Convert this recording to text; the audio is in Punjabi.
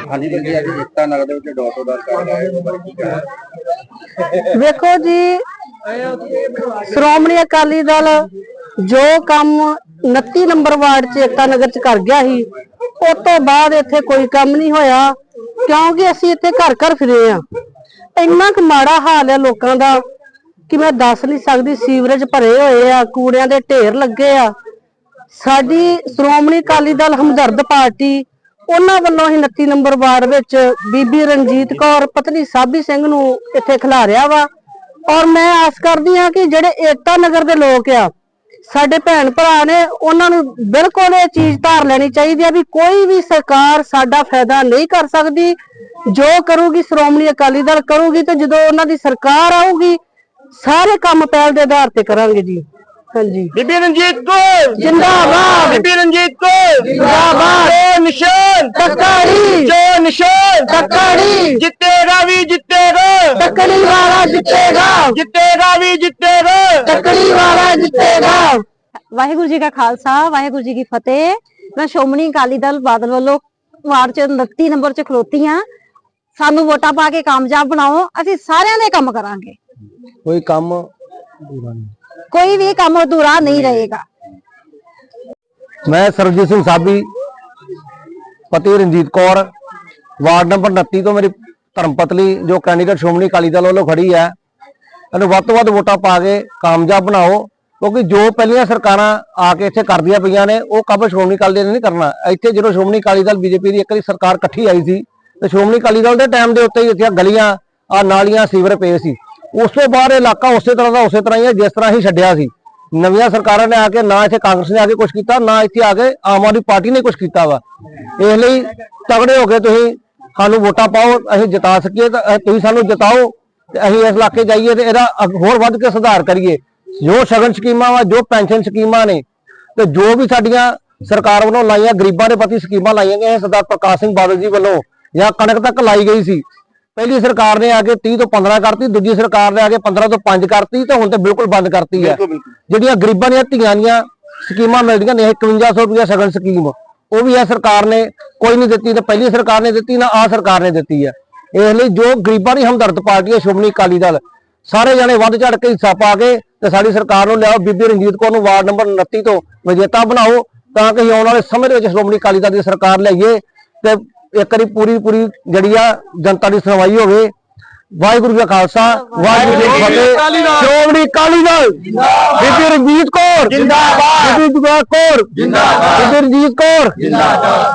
हाँ जी जी अभी एकता नगर ਦੇ ਵਿੱਚ ਡੋਰ ਟੂ ਡੋਰ ਕਰ ਰਹੇ ਹੋ ਬਾਰੇ ਕੀ ਕਹਿਣਾ ਵੇਖੋ ਜੀ ਸ਼੍ਰੋਮਣੀ ਅਕਾਲੀ ਦਲ ਜੋ ਕੰਮ 29 ਨੰਬਰ ਵਾਰਡ 'ਚ एकता नगर 'ਚ ਕਰ ਗਿਆ ਸੀ ਉਸ ਤੋਂ ਬਾਅਦ ਇੱਥੇ ਕੋਈ ਕੰਮ ਨਹੀਂ ਹੋਇਆ ਕਿਉਂਕਿ ਅਸੀਂ ਇੱਥੇ ਘਰ ਘਰ ਫਿਰੇ ਆ। ਇੰਨਾ ਕੁ ਮਾੜਾ ਹਾਲ ਹੈ ਲੋਕਾਂ ਦਾ ਕਿ ਮੈਂ ਦੱਸ ਨਹੀਂ ਸਕਦੀ। ਸੀਵਰੇਜ ਭਰੇ ਹੋਏ ਆ, ਕੂੜਿਆਂ ਦੇ ਢੇਰ ਲੱਗੇ ਆ। ਸਾਡੀ ਸ਼੍ਰੋਮਣੀ ਅਕਾਲੀ ਦਲ ਹਮਦਰਦ ਪਾਰਟੀ ਉਹਨਾਂ ਵੱਲੋਂ ਹੀ 29 ਨੰਬਰ ਵਾਰਡ ਵਿੱਚ ਬੀਬੀ ਰਣਜੀਤ ਕੌਰ ਪਤਨੀ ਸਾਬੀ ਸਿੰਘ ਨੂੰ ਇੱਥੇ ਖਿਲਾਰਿਆ ਵਾ। ਔਰ ਮੈਂ ਆਸ ਕਰਦੀ ਹਾਂ ਕਿ ਜਿਹੜੇ एकता नगर ਦੇ ਲੋਕ ਆ ਸਾਡੇ ਭੈਣ ਭਰਾ ਨੇ ਉਹਨਾਂ ਨੂੰ ਬਿਲਕੁਲ ਇਹ ਚੀਜ਼ ਧਾਰ ਲੈਣੀ ਚਾਹੀਦੀ ਆ ਵੀ ਕੋਈ ਵੀ ਸਰਕਾਰ ਸਾਡਾ ਫਾਇਦਾ ਨਹੀਂ ਕਰ ਸਕਦੀ। ਜੋ ਕਰੂਗੀ ਸ਼੍ਰੋਮਣੀ ਅਕਾਲੀ ਦਲ ਕਰੂਗੀ ਤੇ ਜਦੋਂ ਉਹਨਾਂ ਦੀ ਸਰਕਾਰ ਆਊਗੀ ਸਾਰੇ ਕੰਮ ਪਹਿਲ ਦੇ ਆਧਾਰ ਤੇ ਕਰਾਂਗੇ ਜੀ। ਹਾਂਜੀ ਬੀਬੀ ਰਣਜੀਤ ਕੌਰ ਜਿੰਦਾਬਾਦ, ਬੀਬੀ ਰਣਜੀਤ ਕੌਰ ਜਿੰਦਾਬਾਦ, ਜੋ ਨਿਸ਼ਾਨ ਟੱਕਰੀ, ਜੋ ਨਿਸ਼ਾਨ ਟੱਕਰੀ, ਜਿੱਤੇਗਾ ਵੀ ਜਿੱਤੇਗਾ, ਟੱਕਰੀ ਵਾਲਾ ਜਿੱਤੇਗਾ, ਜਿੱਤੇਗਾ ਵੀ ਜਿੱਤੇਗਾ, ਟੱਕਰੀ ਵਾਲਾ ਜਿੱਤੇਗਾ। ਵਾਹਿਗੁਰੂ ਜੀ ਕਾ ਖਾਲਸਾ ਵਾਹਿਗੁਰੂ ਜੀ ਕੀ ਫਤਿਹ। मैं ਸ਼੍ਰੋਮਣੀ ਅਕਾਲੀ ਦਲ ਬਾਦਲ ਵੱਲੋਂ ਵਾਰਡ ਚ 29 ਨੰਬਰ ਚ ਖਲੋਤੀ ਹਾਂ। ਸਾਨੂੰ ਵੋਟਾਂ ਪਾ ਕੇ ਕਾਮਯਾਬ ਬਣਾਓ, ਅਸੀਂ ਸਾਰਿਆਂ ਦੇ ਕੰਮ ਕਰਾਂਗੇ। ਕੋਈ ਕੰਮ ਕੋਈ ਵੀ ਕੰਮ ਅਧੂਰਾ ਨਹੀਂ ਰਹੇਗਾ। मैं सरबजीत सिंह साबी पति रंजीत कौर वार्ड नंबर 29 तो मेरी धर्मपत्नी जो कैंਡੀਡੇਟ ਸ਼੍ਰੋਮਣੀ ਅਕਾਲੀ ਦਲ ਵੱਲੋਂ ਖੜੀ ਹੈ ਇਹਨੂੰ ਵੱਧ ਤੋਂ ਵੱਧ ਵੋਟਾਂ ਪਾ ਕੇ ਕਾਮਯਾਬ ਬਣਾਓ ਕਿਉਂਕਿ ਜੋ ਪਹਿਲੀਆਂ ਸਰਕਾਰਾਂ ਆ ਕੇ ਇੱਥੇ ਕਰਦੀਆਂ ਪਈਆਂ ਨੇ ਉਹ ਕੰਮ ਸ਼੍ਰੋਮਣੀ ਅਕਾਲੀ ਦਲ ਨੇ ਨਹੀਂ ਕਰਨਾ। ਇੱਥੇ ਜਦੋਂ ਸ਼੍ਰੋਮਣੀ ਅਕਾਲੀ ਦਲ ਬੀਜੇਪੀ ਦੀ ਇੱਕ ਵਾਰੀ ਸਰਕਾਰ ਇਕੱਠੀ ਆਈ ਸੀ ਤੇ ਸ਼੍ਰੋਮਣੀ ਅਕਾਲੀ ਦਲ ਦੇ ਟਾਈਮ ਦੇ ਉੱਤੇ ਹੀ ਇੱਥੇ ਗਲੀਆਂ ਆ ਨਾਲੀਆਂ ਸੀਵਰ ਪਏ ਸੀ। ਉਸ ਤੋਂ ਬਾਅਦ ਇਲਾਕਾ ਉਸੇ ਤਰ੍ਹਾਂ ਦਾ ਉਸੇ ਤਰ੍ਹਾਂ ਹੀ ਹੈ ਜਿਸ ਤਰ੍ਹਾਂ ਹੀ ਛੱਡਿਆ ਸੀ। ਨਵੀਆਂ ਸਰਕਾਰਾਂ ਨੇ ਆ ਕੇ ਨਾ ਇੱਥੇ ਕਾਂਗਰਸ ਨੇ ਆ ਕੇ ਕੁਝ ਕੀਤਾ ਨਾ ਇੱਥੇ ਆ ਕੇ ਆਮ ਆਦਮੀ ਪਾਰਟੀ ਨੇ ਕੁਝ ਕੀਤਾ ਵਾ। ਇਸ ਲਈ ਤਗੜੇ ਹੋ ਕੇ ਤੁਸੀਂ ਸਾਨੂੰ ਵੋਟਾਂ ਪਾਓ, ਅਸੀਂ ਜਿਤਾ ਸਕੀਏ ਤਾਂ ਤੁਸੀਂ ਸਾਨੂੰ ਜਿਤਾਓ ਤੇ ਅਸੀਂ ਇਸ ਇਲਾਕੇ ਜਾਈਏ ਤੇ ਇਹਦਾ ਹੋਰ ਵੱਧ ਕੇ ਸੁਧਾਰ ਕਰੀਏ। ਜੋ ਸ਼ਗਨ ਸਕੀਮਾਂ ਵਾ, ਜੋ ਪੈਨਸ਼ਨ ਸਕੀਮਾਂ ਨੇ ਤੇ ਜੋ ਵੀ ਸਾਡੀਆਂ ਸਰਕਾਰ ਵੱਲੋਂ ਲਾਈਆਂ ਗਰੀਬਾਂ ਦੇ ਪ੍ਰਤੀ ਸਕੀਮਾਂ ਲਾਈਆਂ ਗਈਆਂ ਸਰਦਾਰ ਪ੍ਰਕਾਸ਼ ਸਿੰਘ ਬਾਦਲ ਜੀ ਵੱਲੋਂ ਜਾਂ ਕਣਕ ਤੱਕ ਲਾਈ ਗਈ ਸੀ। ਪਹਿਲੀ ਸਰਕਾਰ ਨੇ ਆ ਕੇ 30 ਤੋਂ 15 ਕਰਤੀ, ਦੂਜੀ ਸਰਕਾਰ ਨੇ ਆ ਕੇ 15 ਤੋਂ 5 ਕਰਤੀ ਤੇ ਹੁਣ ਤੇ ਬਿਲਕੁਲ ਬੰਦ ਕਰਤੀ ਹੈ। ਜਿਹੜੀਆਂ ਗਰੀਬਾਂ ਦੀਆਂ ਧੀਆਂ ਦੀਆਂ ਸਕੀਮਾਂ ਮਿਲਦੀਆਂ ਨੇ 5100 ਰੁਪਇਆ ਸ਼ਗਨ ਸਕੀਮ ਉਹ ਵੀ ਇਹ ਸਰਕਾਰ ਨੇ ਕੋਈ ਨਹੀਂ ਦਿੱਤੀ, ਤੇ ਪਹਿਲੀ ਸਰਕਾਰ ਨੇ ਦਿੱਤੀ ਨਾ ਆ ਸਰਕਾਰ ਨੇ ਦਿੱਤੀ ਹੈ। ਇਸ ਲਈ ਜੋ ਗਰੀਬਾਂ ਦੀ ਹਮਦਰਦ ਪਾਰਟੀ ਹੈ ਸ਼੍ਰੋਮਣੀ ਅਕਾਲੀ ਦਲ ਸਾਰੇ ਜਣੇ ਵੱਧ ਚੜ ਕੇ ਹਿੱਸਾ ਪਾ ਕੇ ਤੇ ਸਾਡੀ ਸਰਕਾਰ ਨੂੰ ਲਿਆਓ। ਬੀਬੀ ਰਣਜੀਤ ਕੌਰ ਨੂੰ ਵਾਰਡ ਨੰਬਰ 29 ਤੋਂ ਵਿਜੇਤਾ ਬਣਾਓ ਤਾਂ ਕਿ ਆਉਣ ਵਾਲੇ ਸਮੇਂ ਦੇ ਵਿੱਚ ਸ਼੍ਰੋਮਣੀ ਅਕਾਲੀ ਦਲ ਦੀ ਸਰਕਾਰ ਲਿਆਈਏ ਤੇ ਇੱਕ ਵਾਰੀ ਪੂਰੀ ਜਿਹੜੀ ਆ ਜਨਤਾ ਦੀ ਸੁਣਵਾਈ ਹੋਵੇ। ਵਾਹਿਗੁਰੂ ਜੀ ਕਾ ਖਾਲਸਾ ਵਾਹਿਗੁਰੂ ਜੀ ਕੀ ਫਤਿਹ। ਸ਼੍ਰੋਮਣੀ ਅਕਾਲੀ ਦਲ ਬੀਬੀ ਰਣਜੀਤ ਕੌਰ ਜਿੰਦਾਬਾਦ, ਬੀਬੀ ਦੁਆ ਕੌਰ ਜਿੰਦਾਬਾਦ, ਬੀਬੀ ਰਣਜੀਤ ਕੌਰ ਜਿੰਦਾਬਾਦ।